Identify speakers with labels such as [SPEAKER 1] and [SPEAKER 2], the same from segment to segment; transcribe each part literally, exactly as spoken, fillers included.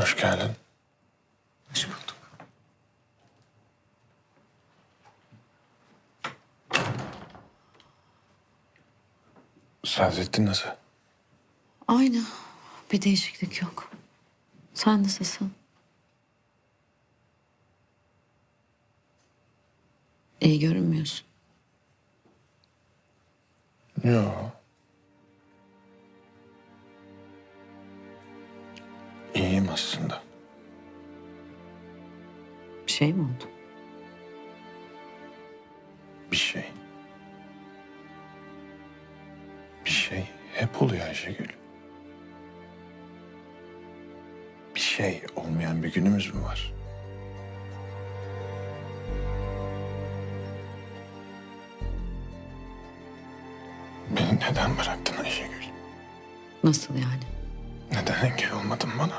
[SPEAKER 1] Hoş geldin.
[SPEAKER 2] Hoş bulduk.
[SPEAKER 1] Sadrettin nasıl?
[SPEAKER 2] Aynı. Bir değişiklik yok. Sen nasılsın? İyi görünmüyorsun.
[SPEAKER 1] Yo. İyiyim aslında.
[SPEAKER 2] Bir şey mi oldu?
[SPEAKER 1] Bir şey. Bir şey hep oluyor Ayşegül. Bir şey olmayan bir günümüz mü var? Beni neden bıraktın Ayşegül?
[SPEAKER 2] Nasıl yani?
[SPEAKER 1] Neden engel olmadın bana?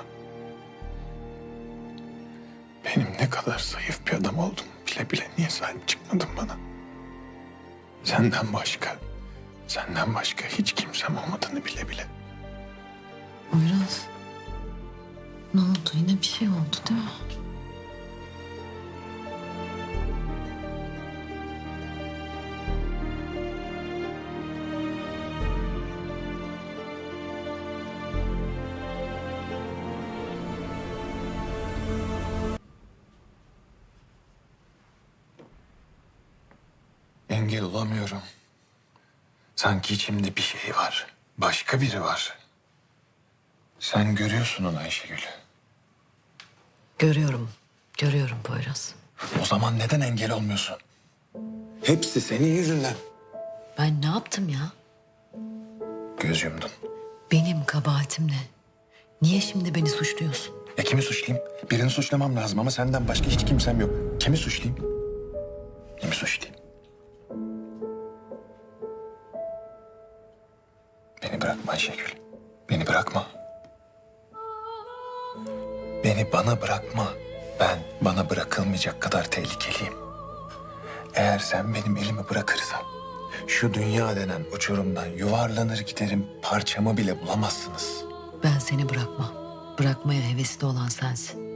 [SPEAKER 1] Benim ne kadar zayıf bir adam oldum bile bile niye sahip çıkmadın bana? Senden başka, senden başka hiç kimsem olmadığını bile bile.
[SPEAKER 2] Poyraz. Ne oldu? Yine bir şey oldu değil mi?
[SPEAKER 1] Engel olamıyorum. Sanki içimde bir şey var. Başka biri var. Sen görüyorsun onu Ayşegül.
[SPEAKER 2] Görüyorum. Görüyorum Poyraz.
[SPEAKER 1] O zaman neden engel olmuyorsun? Hepsi senin yüzünden.
[SPEAKER 2] Ben ne yaptım ya?
[SPEAKER 1] Göz yumdun.
[SPEAKER 2] Benim kabahatim ne? Niye şimdi beni suçluyorsun?
[SPEAKER 1] Ya kimi suçlayayım? Birini suçlamam lazım ama senden başka hiç kimsem yok. Kimi suçlayayım? Kimi suçlayayım? Beni bırakma Ayşegül. Beni bırakma. Beni bana bırakma. Ben bana bırakılmayacak kadar tehlikeliyim. Eğer sen benim elimi bırakırsan şu dünya denen uçurumdan yuvarlanır giderim, parçamı bile bulamazsınız.
[SPEAKER 2] Ben seni bırakmam. Bırakmaya hevesli olan sensin.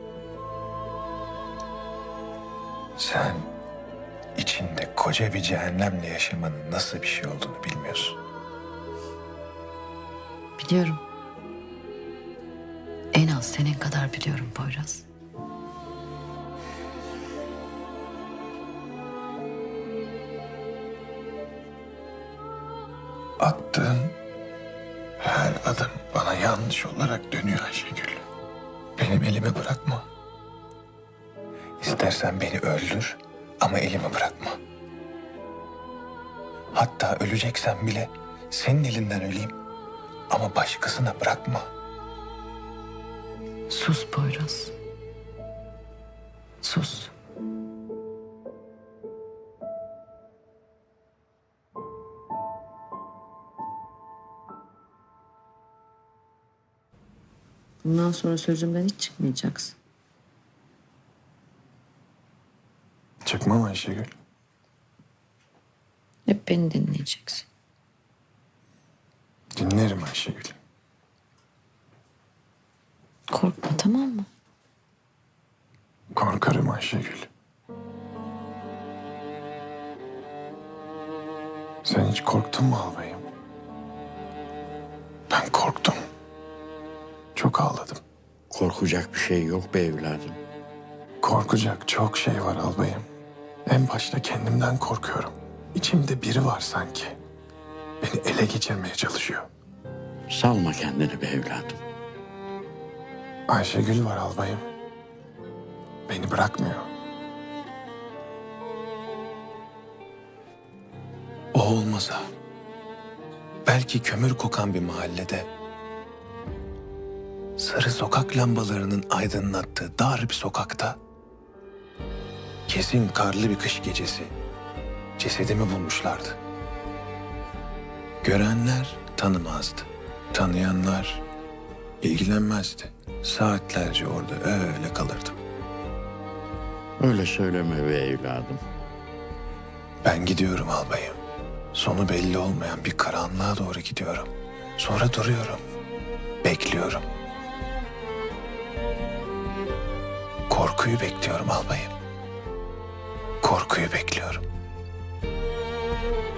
[SPEAKER 1] Sen içinde koca bir cehennemle yaşamanın nasıl bir şey olduğunu bilmiyorsun.
[SPEAKER 2] Biliyorum. En az senin kadar biliyorum Poyraz.
[SPEAKER 1] Attığın her adım bana yanlış olarak dönüyor Ayşegül. Benim elimi bırakma. İstersen beni öldür ama elimi bırakma. Hatta öleceksem bile senin elinden öleyim ama başkasına bırakma.
[SPEAKER 2] Sus Poyraz. Sus. Bundan sonra sözümden hiç çıkmayacaksın.
[SPEAKER 1] Çıkmam Ayşegül.
[SPEAKER 2] Hep beni dinleyeceksin.
[SPEAKER 1] Dinlerim Ayşegül.
[SPEAKER 2] Korkma, tamam mı?
[SPEAKER 1] Korkarım Ayşegül. Sen hiç korktun mu albayım? Ben korktum. Çok ağladım.
[SPEAKER 3] Korkacak bir şey yok be evladım.
[SPEAKER 1] Korkacak çok şey var albayım. En başta kendimden korkuyorum. İçimde biri var sanki. Beni ele geçirmeye çalışıyor.
[SPEAKER 3] Salma kendini be evladım.
[SPEAKER 1] Ayşegül var albayım. Beni bırakmıyor. O olmasa belki kömür kokan bir mahallede sarı sokak lambalarının aydınlattığı dar bir sokakta kesin karlı bir kış gecesi cesedimi bulmuşlardı. Görenler tanımazdı. Tanıyanlar ilgilenmezdi. Saatlerce orada öyle kalırdım.
[SPEAKER 3] Öyle söyleme be evladım.
[SPEAKER 1] Ben gidiyorum albayım. Sonu belli olmayan bir karanlığa doğru gidiyorum. Sonra duruyorum. Bekliyorum. Korkuyu bekliyorum albayım. Korkuyu bekliyorum.